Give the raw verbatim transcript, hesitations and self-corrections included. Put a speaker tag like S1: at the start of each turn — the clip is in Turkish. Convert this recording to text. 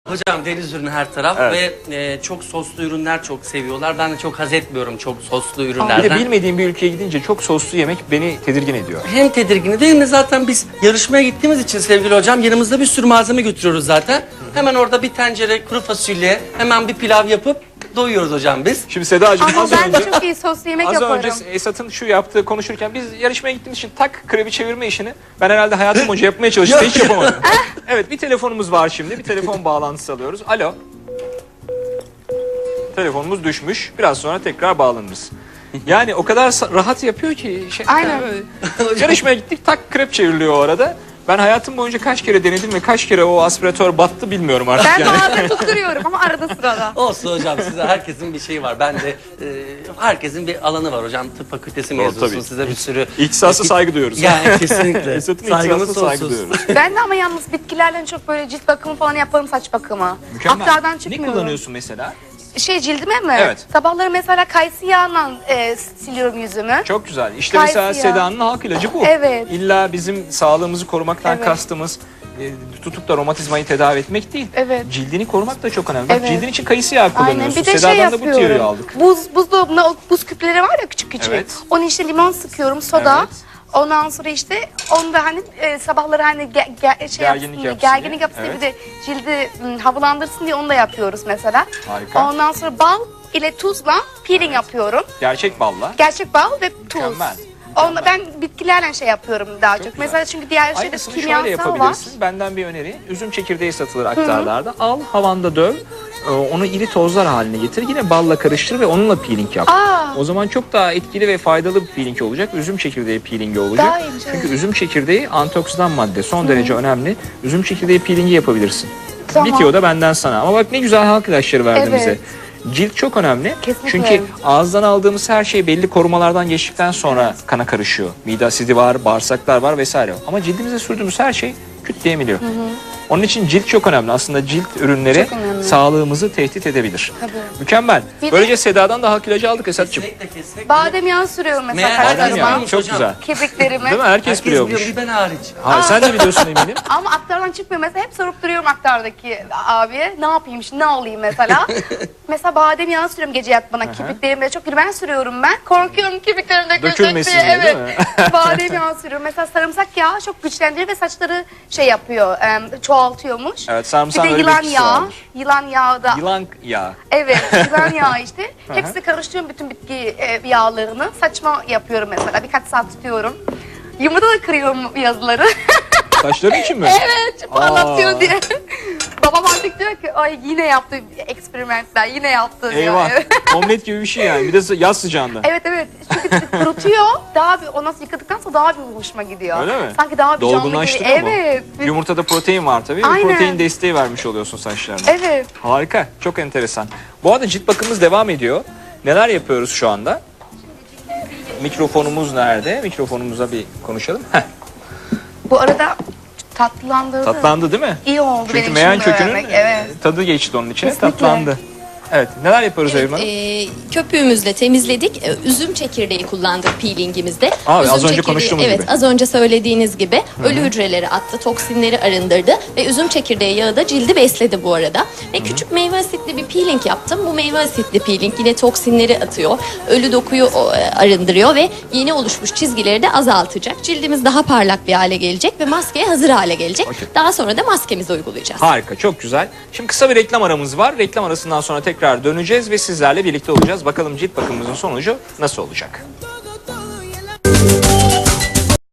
S1: Hocam deniz ürünü her taraf
S2: Evet.
S1: ve e, çok soslu ürünler çok seviyorlar. Ben de çok haz etmiyorum çok soslu
S2: Bir
S1: ürünlerden.
S2: de bilmediğim bir ülkeye gidince çok soslu yemek beni tedirgin ediyor.
S1: Hem tedirgin değil mi? Zaten biz yarışmaya gittiğimiz için sevgili hocam yanımızda bir sürü malzeme götürüyoruz zaten. Hemen orada bir tencere kuru fasulye, hemen bir pilav yapıp doyuyoruz hocam biz.
S2: Şimdi Sedacığım
S3: Ama
S2: az
S3: ben
S2: önce,
S3: de çok iyi soslu yemek
S2: az
S3: yaparım.
S2: önce Esat'ın şu yaptığı konuşurken biz yarışmaya gittiğimiz için tak krebi çevirme işini ben herhalde hayatım boyunca yapmaya çalıştım hiç yapamadım. Evet, bir telefonumuz var şimdi. Bir telefon bağlantısı alıyoruz. Alo. Telefonumuz düşmüş. Biraz sonra tekrar bağlanırız. Yani o kadar sa- rahat yapıyor ki. Şey,
S3: Aynen.
S2: böyle. Yarışmaya gittik, tak krep çevriliyor o arada. Ben hayatım boyunca kaç kere denedim ve kaç kere o aspiratör battı bilmiyorum artık
S3: Ben
S2: yani.
S3: bazen tutturuyorum ama arada sırada.
S1: Olsun hocam, size herkesin bir şeyi var. Ben de e, herkesin bir alanı var hocam. Tıp fakültesi
S2: Doğru,
S1: mezunusun,
S2: tabii.
S1: size bir sürü...
S2: İhtisasa saygı duyuyoruz.
S1: Yani kesinlikle.
S2: Esat'ın
S1: Saygımız
S2: ihtisasına saygı
S1: sonsuz.
S2: duyuyoruz.
S3: Ben de ama yalnız bitkilerle çok böyle cilt bakımı falan yaparım, saç bakımı.
S2: Mükemmel.
S3: Aktardan
S2: Ne
S3: çıkmıyorum.
S2: kullanıyorsun mesela?
S3: Şey cildime mi?
S2: Evet.
S3: Sabahları mesela kayısı yağıyla e, siliyorum yüzümü.
S2: Çok güzel. İşte
S3: Kayısı
S2: mesela
S3: yağı.
S2: Seda'nın halk ilacı bu.
S3: Evet.
S2: İlla bizim sağlığımızı korumaktan
S3: Evet.
S2: kastımız e, tutup da romatizmayı tedavi etmek değil.
S3: Evet.
S2: Cildini korumak da çok önemli. Bak,
S3: Evet.
S2: cildin için kayısı yağı kullanıyorsun.
S3: Aynen. Bir de
S2: Seda'dan
S3: şey
S2: da bu tiyoyu
S3: yapıyorum.
S2: aldık.
S3: Buz, buzdolabında o buz küpleri var ya, küçük küçük.
S2: Evet.
S3: Onu işte limon sıkıyorum, soda.
S2: Evet.
S3: Ondan sonra işte onu da hani e, sabahları hani ge, ge, şey
S2: Gerginlik
S3: yapsın diye,
S2: yapsın
S3: gerginlik
S2: diye.
S3: yapsın diye,
S2: Evet.
S3: bir de cildi m, havalandırsın diye onu da yapıyoruz mesela.
S2: Harika.
S3: Ondan sonra bal ile tuzla peeling yapıyorum.
S2: Gerçek balla.
S3: Gerçek bal ve tuz.
S2: Mükemmel.
S3: Onda ben bitkilerle şey yapıyorum daha çok.
S2: güzel.
S3: Mesela çünkü diğer şeyde
S2: Aynısını şöyle
S3: kimyasal var.
S2: yapabilirsin. Benden bir öneri. Üzüm çekirdeği satılır aktarlarda. Al, havanda döv. e, Onu iri tozlar haline getir. Yine balla karıştır ve onunla peeling yap.
S3: Aa.
S2: O zaman çok daha etkili ve faydalı bir peeling olacak. Üzüm çekirdeği peelingi olacak.
S3: Daha iyiymiş,
S2: Çünkü
S3: evet.
S2: üzüm çekirdeği antioksidan madde. Son derece önemli. Üzüm çekirdeği peelingi yapabilirsin.
S3: Tamam.
S2: Bitiyor da benden sana. Ama bak ne güzel halk ilaçları verdin
S3: Evet.
S2: bize. Cilt çok önemli.
S3: Kesinlikle.
S2: Çünkü ağızdan aldığımız her şey belli korumalardan geçtikten sonra kana karışıyor. Mide asidi var, bağırsaklar var vesaire. Ama cildimize sürdüğümüz her şey küt diye emiliyor. Onun için cilt çok önemli. Aslında cilt ürünleri
S3: Çok önemli.
S2: sağlığımızı tehdit edebilir.
S3: Tabii.
S2: Mükemmel.
S3: Bir de-
S2: Böylece Seda'dan da halk ilacı aldık Esat'cığım.
S1: Kesinlikle kesinlikle.
S3: Badem yağı sürüyorum mesela
S1: Meğer
S2: Badem
S3: saçlarıma.
S2: yağı çok
S1: hocam.
S2: güzel.
S3: Kirpiklerime.
S2: Değil mi? Herkes,
S1: Herkes
S2: biliyormuş.
S1: biliyor, bir ben hariç.
S2: Hayır, sen de biliyorsun eminim.
S3: Ama aktardan çıkmıyor. Mesela hep sorup duruyorum aktardaki abiye. Ne yapayım şimdi, ne olayım mesela. Mesela badem yağı sürüyorum gece yatmadan. Kirpiklerime çok ben sürüyorum ben. Korkuyorum kirpiklerim dökülecek
S2: Dökülmesin
S3: diye.
S2: diye,
S3: Evet.
S2: değil mi?
S3: Badem yağı sürüyorum. Mesela sarımsak yağı çok güçlendiriyor ve saçları şey yapıyor, em, çoğaltıyormuş.
S2: Evet,
S3: Bir
S2: sarımsağın
S3: de
S2: öyle bir
S3: yılan
S2: etkisi
S3: yağı.
S2: vardır.
S3: Yılan yağı da.
S2: Yılan yağı.
S3: Evet, yılan yağı işte. Hepsini karıştırıyorum, bütün bitki e, yağlarını. Saçma yapıyorum mesela. Birkaç saat tutuyorum. Yumurta da kırıyorum yazıları.
S2: Saçların için mi?
S3: Evet, parlatıyor
S2: Aa.
S3: diye. Babam artık diyor ki ay yine yaptı eksperimentler, yine yaptı diyor.
S2: Eyvah.
S3: Evet.
S2: Omlet gibi bir şey yani. Bir de yaz sıcağında.
S3: Evet evet, çünkü kurutuyor, daha bir ondan sonra yıkadıktan sonra daha bir hoşuma gidiyor.
S2: Öyle mi?
S3: Sanki daha bir canlı
S2: Dolgunlaştırıyor
S3: geliyor.
S2: mu?
S3: Evet.
S2: Yumurtada protein var tabii. Bir
S3: Aynen.
S2: protein desteği vermiş oluyorsun saçlarına.
S3: Evet.
S2: Harika. Çok enteresan. Bu arada cilt bakımımız devam ediyor. Neler yapıyoruz şu anda? Mikrofonumuz nerede? Mikrofonumuza bir konuşalım. Heh,
S3: Bu arada tatlandırdı.
S2: tatlandı değil mi?
S3: İyi oldu
S2: Çünkü
S3: benim
S2: meyan
S3: için
S2: kökünün
S3: öğrenmek. Evet.
S2: tadı geçti onun içine.
S3: Kesinlikle.
S2: Tatlandı. Evet. Neler yapıyoruz
S4: Evet,
S2: Evrim Hanım?
S4: e, köpüğümüzle temizledik. E, Üzüm çekirdeği kullandık peelingimizde.
S2: Abi,
S4: üzüm
S2: az önce
S4: çekirdeği-
S2: konuştuğumuz
S4: evet,
S2: gibi.
S4: az önce söylediğiniz gibi ölü hücreleri attı, toksinleri arındırdı ve üzüm çekirdeği yağı da cildi besledi bu arada. Ve küçük meyve asitli bir peeling yaptım. Bu meyve asitli peeling yine toksinleri atıyor, ölü dokuyu o, e, arındırıyor ve yeni oluşmuş çizgileri de azaltacak. Cildimiz daha parlak bir hale gelecek ve maskeye hazır hale gelecek.
S2: Okey.
S4: Daha sonra da maskemizi uygulayacağız.
S2: Harika, çok güzel. Şimdi kısa bir reklam aramız var. Reklam arasından sonra tekrar döneceğiz ve sizlerle birlikte olacağız. Bakalım cilt bakımımızın sonucu nasıl olacak?